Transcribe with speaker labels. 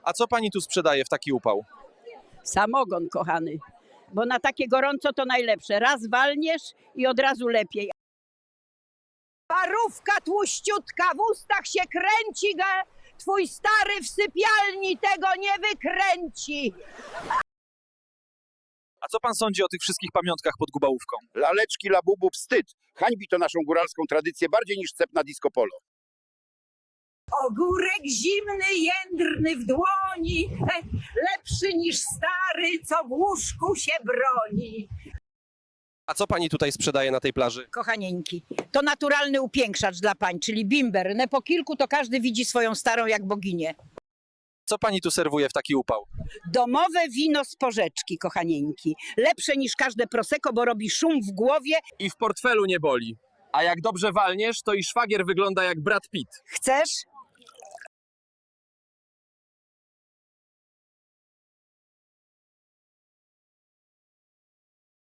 Speaker 1: A co pani tu sprzedaje w taki upał?
Speaker 2: Samogon, kochany, bo na takie gorąco to najlepsze. Raz walniesz i od razu lepiej. Parówka tłuściutka, w ustach się kręci, twój stary w sypialni tego nie wykręci.
Speaker 1: A co pan sądzi o tych wszystkich pamiątkach pod Gubałówką?
Speaker 3: Laleczki, labubu, wstyd. Hańbi to naszą góralską tradycję bardziej niż cep na disco polo.
Speaker 2: Ogórek zimny, jędrny w dłoni, lepszy niż stary, co w łóżku się broni.
Speaker 1: A co pani tutaj sprzedaje na tej plaży?
Speaker 2: Kochanieńki, to naturalny upiększacz dla pań, czyli bimber. Po kilku to każdy widzi swoją starą jak boginię.
Speaker 1: Co pani tu serwuje w taki upał?
Speaker 2: Domowe wino z porzeczki, kochanieńki. Lepsze niż każde prosecco, bo robi szum w głowie.
Speaker 1: I w portfelu nie boli. A jak dobrze walniesz, to i szwagier wygląda jak Brad Pitt.
Speaker 2: Chcesz?